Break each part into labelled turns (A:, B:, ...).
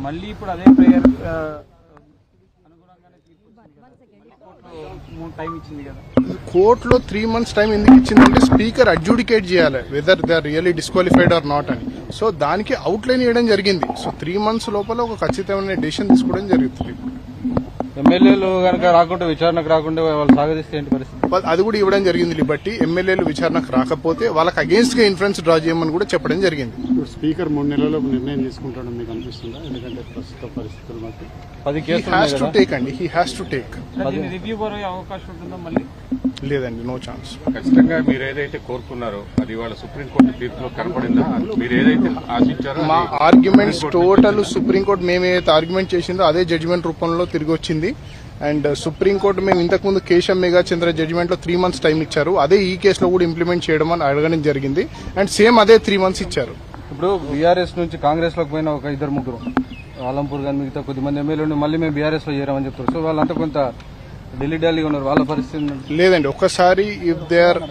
A: మళ్ళీ ఇప్పుడు అదే ప్రేయర్ అనుగుణంగానే టైం ఇచ్చింది కదా.
B: కోర్టులో 3 months టైం ఎందుకు ఇచ్చిందంటే స్పీకర్ అడ్జుడికేట్ చేయాలి whether they are really disqualified or not అని. సో దానికి అవుట్లైన్ ఇవ్వడం జరిగింది. సో 3 months లోపల ఒక ఖచ్చితమైన డెసిషన్ తీసుకోవడం జరుగుతుంది.
A: ఎమ్మెల్యేలు కనుక రాకుండా విచారణకు రాకుండా వాళ్ళు సాగదీస్తే ఏంటి పరిస్థితి?
B: అది కూడా ఇవ్వడం జరిగింది లిబర్టీ. ఎమ్మెల్యేలు విచారణకు రాకపోతే వాళ్ళకి అగేన్స్ట్ గా ఇన్ఫ్లుయెన్స్ డ్రా చేయమని కూడా చెప్పడం జరిగింది.
C: స్పీకర్ 3 నెలల్లో నిర్ణయం తీసుకుంటాడని మీకు అనిపిస్తుందా? ఎందుకంటే ప్రస్తుత పరిస్థితులు బట్టి
A: 10 కేసులు
B: he has to take.
A: Review పోయే అవకాశం ఉంటుందా మళ్ళీ?
B: లేదండి, నో ఛాన్స్.
D: ఖచ్చితంగా మీరు ఏదైతే కోరుకున్నారో అది వాళ్ళ సుప్రీంకోర్టు తీర్పులో కనపడిందా? మీరు ఏదైతే ఆశించారో
B: మా ఆర్గ్యుమెంట్స్ టోటల్ సుప్రీంకోర్టు మేము ఏదైతే ఆర్గ్యుమెంట్ చేసిందో అదే జడ్జిమెంట్ రూపంలో తిరిగి వచ్చింది. అండ్ సుప్రీంకోర్టు మేము ఇంతకుముందు కేశం మేఘాచంద్ర జడ్జిమెంట్ లో 3 months టైం ఇచ్చారు. అదే ఈ కేసులో కూడా ఇంప్లిమెంట్ చేయడం అని అడగడం జరిగింది. అండ్ సేమ్ అదే 3 months ఇచ్చారు.
A: ఇప్పుడు బీఆర్ఎస్ నుంచి కాంగ్రెస్ లోకి పోయిన ఒక 2-3 ఆలంపూర్ గాని మిగతా కొద్దిమంది ఎమ్మెల్యేలు మళ్ళీ మేము బీఆర్ఎస్ లో చేరామని చెప్తారు. సో వాళ్ళంతా కొంత ఢిల్లీ ఉన్నారు. వాళ్ళ పరిస్థితి
B: లేదండి, ఒక్కసారి ఇఫ్ దే ఆర్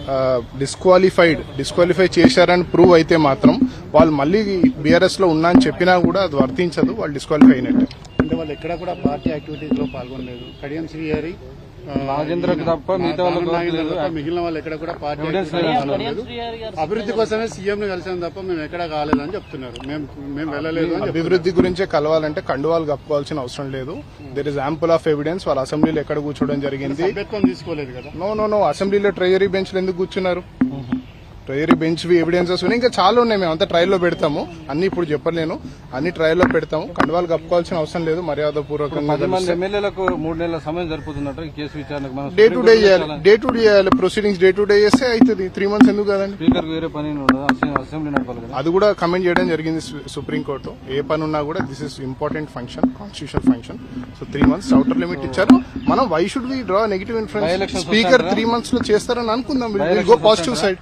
B: డిస్క్వాలిఫై చేశారని ప్రూవ్ అయితే మాత్రం వాళ్ళు మళ్ళీ బీఆర్ఎస్ లో ఉన్నా అని చెప్పినా కూడా అది వర్తించదు. వాళ్ళు డిస్క్వాలిఫై అయినట్టే.
C: అంటే వాళ్ళు ఎక్కడ కూడా పార్టీ యాక్టివిటీస్ లో పాల్గొనలేదు. కడియం శ్రీహరి
A: నాగేంద్రకి తప్ప మిగతా
C: మిగిలిన వాళ్ళు ఎక్కడ కూడా పార్టీ పాల్గొనలేదు. అభివృద్ధి కోసమే సీఎం ని కలిసాం తప్ప మేము ఎక్కడ కాలేదని చెప్తున్నారు. మేము వెళ్ళలేదు.
B: అభివృద్ధి గురించే కలవాలంటే కండువాలు కప్పుకోవాల్సిన అవసరం లేదు. There is ample of evidence. వాళ్ళ అసెంబ్లీలో ఎక్కడ కూర్చోవడం జరిగింది.
C: సభ్యత్వం తీసుకోలేదు కదా.
B: నో అసెంబ్లీలో ట్రెజరీ బెంచ్లు ఎందుకు కూర్చున్నారు? ట్రయరీ బెంచ్ ఎవిడెన్సెస్ ఉన్నాయి, ఇంకా చాలా ఉన్నాయి. మేము అంతా ట్రయల్లో పెడతాము. అన్ని ఇప్పుడు చెప్పలేను, అన్ని ట్రయల్లో పెడతాము. కండువాలు కప్పుకోవాల్సిన అవసరం లేదు. మర్యాదపూర్వకంగా
A: ఎమ్మెల్యేలకు 3 నెలల సమయం సరిపోతున్నట్టు ఈ కేసు విచారణకు
B: డే టు డే చేయాలి. ప్రొసీడింగ్స్ డే టు డే చేస్తే అవుతుంది. 3 months ఎందుకు కదండి?
A: స్పీకర్ వేరే పని అసెంబ్లీ నడపాలి కదా.
B: అది కూడా కమెంట్ చేయడం జరిగింది సుప్రీంకోర్టు. ఏ పని ఉన్నా కూడా this is important function, constitution function. So 3 months outer limit ఇచ్చారు. మనం why should we draw negative influence? Speaker 3 months లో చేస్తారని అనుకుందాం. Will go positive side.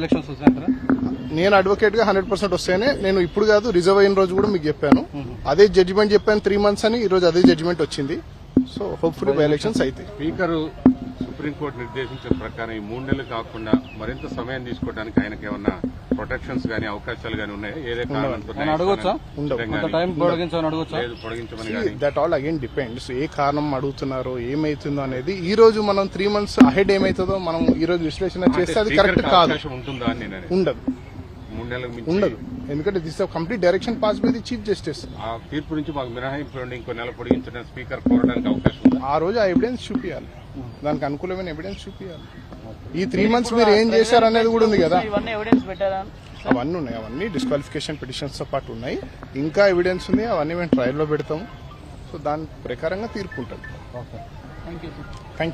B: నేను అడ్వకేట్ గా 100% వస్తేనే, నేను ఇప్పుడు కాదు రిజర్వ్ అయిన రోజు కూడా మీకు చెప్పాను. అదే జడ్జిమెంట్ చెప్పాను 3 months అని. ఈ రోజు అదే జడ్జిమెంట్ వచ్చింది. సో హోప్ఫుల్లీ బై ఎలక్షన్స్ అయితే.
D: స్పీకర్ సుప్రీంకోర్టు నిర్దేశించిన ప్రకారం ఈ 3 నెలలు కాకుండా మరింత సమయం తీసుకోవడానికి ఆయనకి ఏమన్నా ప్రొటెక్షన్స్ గానీ అవకాశాలు గానీ ఉన్నాయా?
B: That all again depends. ఏ కారణం అడుగుతున్నారో, ఏమైతుందో అనేది. ఈ రోజు మనం 3 months అహెడ్ ఏమైతుందో మనం ఈ రోజు విశ్లేషణ చేస్తే అది కరెక్ట్ కాదు. ఉండదు. ఎందుకంటే this complete direction pass by the chief justice.
D: ఆ తీర్పు నుంచి మాకు మినహాయింపు ఇంకో నెల పొడిగించిన స్పీకర్ కోరడానికి అవకాశం ఉంది.
B: ఆ రోజు ఆ ఎవిడెన్స్ చూపించాలి, దానికి అనుకూలమైన ఎవిడెన్స్ చూపించాలి. ఈ 3 months మీరు ఏం చేశారనేది కూడా ఉంది కదా. అవన్నీ ఉన్నాయి. అవన్నీ డిస్క్వాలిఫికేషన్ పిటిషన్స్ తో పాటు ఉన్నాయి. ఇంకా ఎవిడెన్స్ ఉంది. అవన్నీ మేము ట్రయల్లో పెడతాము. సో దాని ప్రకారంగా తీర్పు ఉంటుంది.